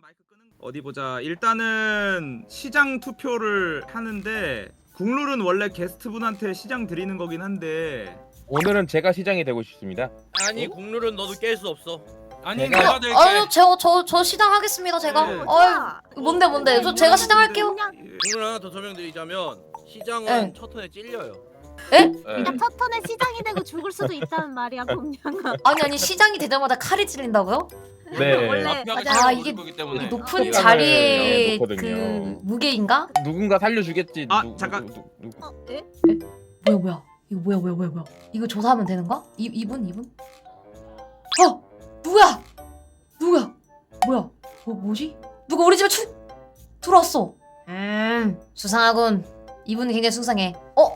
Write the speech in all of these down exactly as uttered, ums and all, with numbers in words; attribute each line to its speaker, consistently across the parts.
Speaker 1: 어디 보자. 일단은 시장 투표를 하는데 국룰은 원래 게스트분한테 시장 드리는 거긴 한데
Speaker 2: 오늘은 제가 시장이 되고 싶습니다.
Speaker 3: 아니 국룰은 너도 깰 수 없어.
Speaker 4: 아니
Speaker 2: 제가-
Speaker 4: 내가 될게.
Speaker 5: 아유 제가 저 저 시장 하겠습니다 제가.
Speaker 1: 네.
Speaker 5: 아유 뭔데 뭔데 저 제가 시장 할게요.
Speaker 3: 국룰 하나 더 설명드리자면 시장은
Speaker 5: 네.
Speaker 3: 첫 턴에 찔려요.
Speaker 5: 에?
Speaker 6: 그러니까 첫 턴에 시장이 되고 죽을 수도 있다는 말이야, 봄냥아.
Speaker 5: 아니 아니 시장이 되자마자 칼이 찔린다고요?
Speaker 2: 네.
Speaker 6: 원래
Speaker 5: 아, 이게
Speaker 4: 거기 때문에.
Speaker 5: 높은
Speaker 2: 시장을
Speaker 5: 자리의 그
Speaker 2: 놓거든요.
Speaker 5: 무게인가?
Speaker 2: 누군가 살려주겠지.
Speaker 1: 아,
Speaker 2: 누,
Speaker 1: 잠깐.
Speaker 2: 누, 누, 누.
Speaker 6: 어, 에?
Speaker 5: 뭐야 뭐야 이거 뭐야 뭐야 뭐야 뭐야 이거 조사하면 되는 거야? 이 이분 이분? 어 누구야? 누구야? 뭐야? 뭐 뭐지? 누가 우리 집에 추 들어왔어? 음 수상하군. 이분이 굉장히 수상해. 어?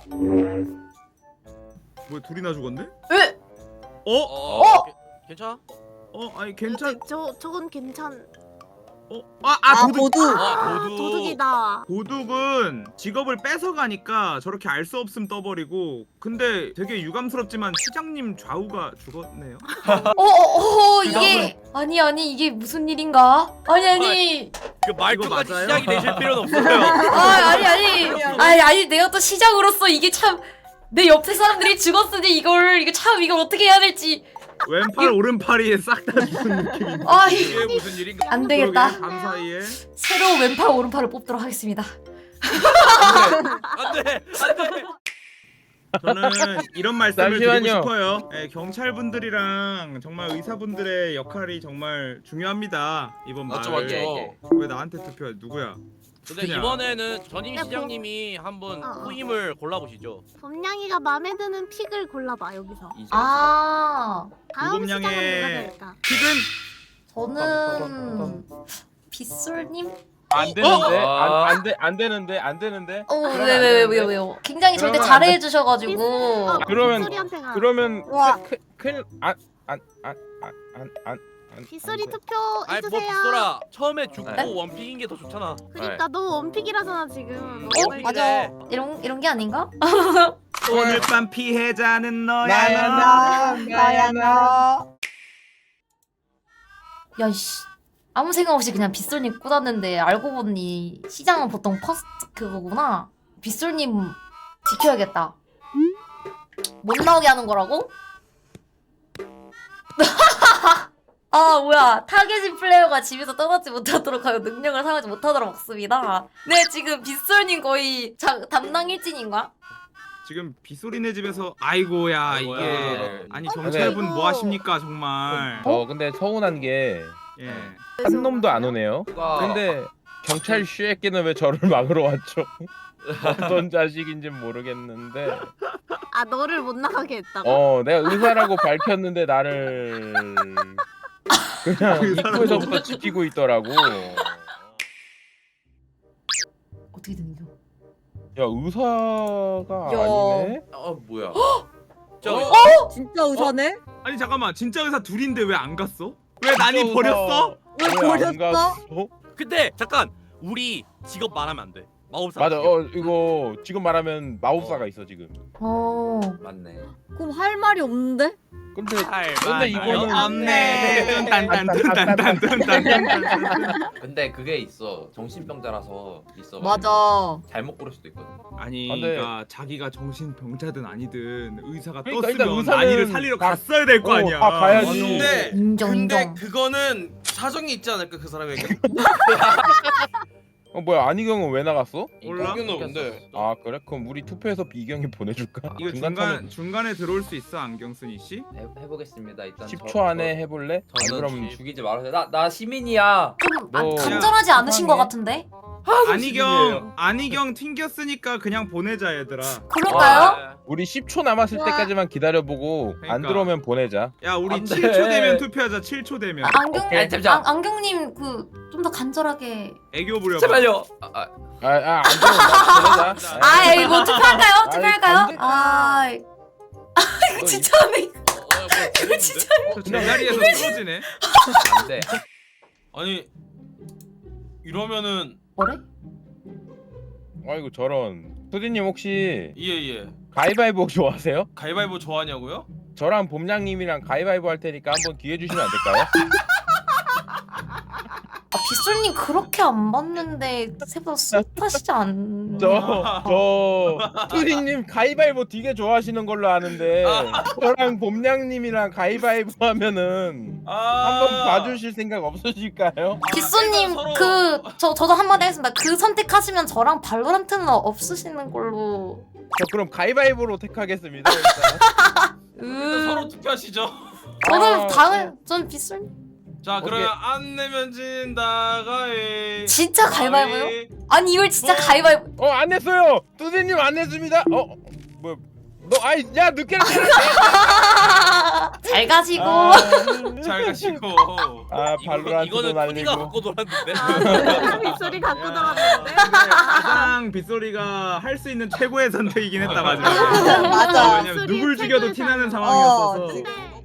Speaker 1: 뭐 둘이나 죽었네?
Speaker 5: 에?
Speaker 1: 어?
Speaker 3: 어?
Speaker 5: 어?
Speaker 3: 게- 괜찮아?
Speaker 1: 어? 아니 괜찮...
Speaker 6: 저 저건 괜찮.
Speaker 1: 어? 아! 아 도둑!
Speaker 6: 아,
Speaker 3: 아, 도둑.
Speaker 6: 도둑이다.
Speaker 1: 도둑은 직업을 뺏어가니까 저렇게 알 수 없음 떠버리고 근데 되게 유감스럽지만 시장님 좌우가 죽었네요.
Speaker 5: 어어어 이게 아니 아니 이게 무슨 일인가? 아니 아니
Speaker 3: 그 말투까지
Speaker 1: 맞아요?
Speaker 3: 시작이 되실 필요는 없어요.
Speaker 5: 아 아니 아니 아니 아니 내가 또 시장으로서 이게 참 내 옆에 사람들이 죽었으니 이걸 이거 참 이걸 어떻게 해야 될지
Speaker 1: 왼팔 오른팔이 싹 다 죽은 느낌인데.
Speaker 5: 아 이-
Speaker 3: 이게 무슨 일인가?
Speaker 5: 안 되겠다.
Speaker 1: 그러게, 밤 사이에
Speaker 5: 새로운 왼팔 오른팔을 뽑도록 하겠습니다.
Speaker 3: 안돼 안돼.
Speaker 1: 저는 이런 말씀을 드리고
Speaker 2: 잠시만요.
Speaker 1: 싶어요. 예, 경찰분들이랑 정말 의사분들의 역할이 정말 중요합니다. 이번
Speaker 4: 맞죠
Speaker 1: 마을.
Speaker 4: 맞죠.
Speaker 1: 왜 나한테 투표해? 누구야?
Speaker 3: 근데
Speaker 1: 그냥.
Speaker 3: 이번에는 전임
Speaker 6: 야,
Speaker 3: 시장님이 한번
Speaker 6: 어, 어.
Speaker 3: 후임을 골라보시죠.
Speaker 6: 봄냥이가 마음에 드는 픽을 골라봐 여기서.
Speaker 5: 아
Speaker 6: 다음 시장은 누가
Speaker 1: 고금냥의
Speaker 6: 될까?
Speaker 1: 픽은
Speaker 5: 저는 빗솔님?
Speaker 2: 안 되는데.
Speaker 4: 어?
Speaker 2: 안, 안, 돼, 안 되는데. 안 되는데. 그러면 안
Speaker 5: 어왜왜 왜
Speaker 2: 되는데?
Speaker 5: 왜요 왜요? 굉장히 저한테
Speaker 2: 그러면 안 돼.
Speaker 5: 잘해 주셔가지고
Speaker 6: 어,
Speaker 2: 그러면-
Speaker 6: 빗소리한테 가.
Speaker 2: 그러면
Speaker 6: 와.
Speaker 2: 큰- 큰일 안안안안안
Speaker 6: 빗소리 투표
Speaker 3: 아이 뭐
Speaker 6: 해주세요.
Speaker 3: 빗소라 처음에 죽고
Speaker 4: 네.
Speaker 3: 원픽인 게 더 좋잖아.
Speaker 6: 그러니까 너 원픽이라잖아 지금.
Speaker 3: 어?
Speaker 6: 너무
Speaker 3: 맞아.
Speaker 5: 이런 이런 게 아닌가?
Speaker 1: 오늘 밤 피해자는 너야.
Speaker 6: 나야 나.
Speaker 5: 야씨 아무 생각 없이 그냥 빗솔님 꽂았는데 알고 보니 시장은 보통 퍼스트 그거구나. 빗솔님 지켜야겠다. 못 나오게 하는 거라고? 아 뭐야 타겟인 플레이어가 집에서 떠나지 못하도록 하여 능력을 사용하지 못하도록 막습니다. 네 지금 빗솔님 거의 자, 담당 일진인가?
Speaker 1: 지금 빗소리네 집에서 아이고야
Speaker 3: 아이고야.
Speaker 1: 이게 아니 경찰분
Speaker 6: 아이고.
Speaker 1: 뭐 하십니까 정말.
Speaker 2: 어 근데 서운한 게 한
Speaker 1: 예.
Speaker 2: 놈도 안 오네요. 근데 경찰 슈에끼는 왜 저를 막으러 왔죠? 어떤 자식인지 모르겠는데
Speaker 6: 아 너를 못 나가게 했다고?
Speaker 2: 어 내가 의사라고 밝혔는데 나를 그냥
Speaker 1: 의사라고.
Speaker 2: 입구에서부터 지키고 있더라고.
Speaker 5: 어떻게 되는 겨?
Speaker 2: 야 의사가
Speaker 5: 야.
Speaker 2: 아니네.
Speaker 4: 어 뭐야?
Speaker 3: 저
Speaker 1: 어?
Speaker 7: 진짜 의사네?
Speaker 1: 아니 잠깐만 진짜 의사 둘인데 왜 안 갔어? 왜 난이
Speaker 2: 의사
Speaker 1: 버렸어?
Speaker 7: 왜
Speaker 2: 안
Speaker 7: 버렸어?
Speaker 2: 갔어?
Speaker 3: 근데 잠깐 우리 직업 말하면 안 돼. 마법사.
Speaker 2: 맞아. 어 이거 지금 말하면 마법사가 있어 지금.
Speaker 5: 어
Speaker 4: 맞네.
Speaker 7: 그럼 할 말이 없는데?
Speaker 2: 근데
Speaker 3: 할
Speaker 2: 근데
Speaker 3: 말
Speaker 2: 이거는
Speaker 1: 없네. 딴딴딴딴딴딴딴딴.
Speaker 4: 근데 그게 있어. 정신병자라서 있어.
Speaker 7: 맞아.
Speaker 4: 잘못 고를 수도 있거든.
Speaker 1: 아니
Speaker 2: 안 돼.
Speaker 1: 그러니까 자기가 정신병자든 아니든 의사가
Speaker 2: 그러니까 일단
Speaker 1: 떴으면
Speaker 2: 의사는
Speaker 1: 난이를 살리러
Speaker 2: 다-
Speaker 1: 갔어야 될 거
Speaker 2: 어,
Speaker 1: 아니야.
Speaker 2: 다 가야지.
Speaker 4: 근데
Speaker 5: 인정
Speaker 4: 근데
Speaker 5: 인정.
Speaker 4: 그거는 사정이 있지 않을까 그 사람에게?
Speaker 2: 어 뭐야 안희경은 왜 나갔어?
Speaker 1: 몰라?
Speaker 4: 이거는 근데
Speaker 2: 아 그래? 그럼 우리 투표해서 비경이 보내줄까?
Speaker 1: 이거
Speaker 2: 중간
Speaker 1: 중간 중간에 들어올 수 있어 안경순이 씨?
Speaker 4: 해, 해보겠습니다. 일단
Speaker 2: 십
Speaker 4: 저-
Speaker 2: 초 안에
Speaker 4: 저-
Speaker 2: 해볼래? 아니
Speaker 4: 저는
Speaker 2: 그럼
Speaker 4: 죽- 죽이지 말아주세요. 나나 시민이야.
Speaker 5: 좀 아,
Speaker 2: 뭐-
Speaker 5: 간절하지 않으신 것
Speaker 2: 이상해.
Speaker 5: 같은데?
Speaker 1: 안희경 안희경 튕겼으니까 그냥 보내자 얘들아.
Speaker 5: 그럴까요?
Speaker 4: 와,
Speaker 2: 우리 십 초 남았을 때까지만 기다려보고 안
Speaker 1: 그러니까.
Speaker 2: 들어오면 보내자.
Speaker 1: 야 우리
Speaker 4: 안 돼.
Speaker 1: 칠 초 되면 투표하자. 칠 초 되면
Speaker 5: 아, 안경
Speaker 4: 오케이, 잠시만.
Speaker 5: 안, 안경님 그 좀 더 간절하게.
Speaker 1: 애교 부려봐.
Speaker 4: 제발요. 아, 아,
Speaker 2: 아안 들어오면 보내자.
Speaker 5: 아 이거 투표할까요?
Speaker 2: 아이,
Speaker 5: 투표할까요?
Speaker 2: 안 돼.
Speaker 5: 아 이거
Speaker 2: 너
Speaker 5: 진짜 안 돼.
Speaker 4: 어, 뭐,
Speaker 5: 이거 진짜
Speaker 1: 저 제자리에서 쓰러지네.
Speaker 4: 안 돼.
Speaker 8: 아니 이러면은
Speaker 5: 뭐래?
Speaker 2: 아이고 저런. 수디님 혹시
Speaker 8: 예예
Speaker 2: 가위바위보 좋아하세요?
Speaker 8: 가위바위보 좋아하냐고요?
Speaker 2: 저랑 봄냥님이랑 가위바위보 할 테니까 한번 기회 주시면 안 될까요?
Speaker 5: 아 빗소 빗솔님 그렇게 안 봤는데 생각보다 스윗하시지 않나?
Speaker 2: 저저 투디님 가위바위보 되게 좋아하시는 걸로 아는데 저랑 봄냥님이랑 가위바위보 하면은
Speaker 8: 아
Speaker 2: 한번 봐주실 생각 없으실까요?
Speaker 5: 빗솔님
Speaker 8: 서로-
Speaker 5: 그 저 저도 한마디 하겠습니다. 그 선택하시면 저랑 발로란트는 없으시는 걸로.
Speaker 2: 저 그럼 가위바위보로 택하겠습니다. 일단.
Speaker 8: 일단 서로 투표하시죠.
Speaker 5: 저는
Speaker 2: 아,
Speaker 5: 당연 전 빗솔님
Speaker 8: 자 그러면 안 내면 진다 가위.
Speaker 5: 진짜 가위바위보요?
Speaker 8: 가위.
Speaker 5: 아니 이걸 진짜
Speaker 8: 어?
Speaker 5: 가위바위보.
Speaker 2: 어 안 했어요. 투디님 안 했습니다. 어 뭐? 너 아이 야 늦게 했어.
Speaker 5: 잘 가시고.
Speaker 2: 아,
Speaker 8: 잘 가시고.
Speaker 2: 아
Speaker 3: 이거,
Speaker 2: 발로란트도
Speaker 3: 이거는 투디가
Speaker 2: 날리고.
Speaker 3: 갖고 놀았는데.
Speaker 6: 아, 빗소리 갖고
Speaker 1: 야,
Speaker 6: 들어왔는데.
Speaker 1: 근데 가장 빗소리가 할 수 있는 최고의 선택이긴 했다 마지막에.
Speaker 7: 맞아.
Speaker 1: 어, 왜냐면 누굴 죽여도 티나는
Speaker 7: 어,
Speaker 1: 상황이었어서.
Speaker 7: 지금.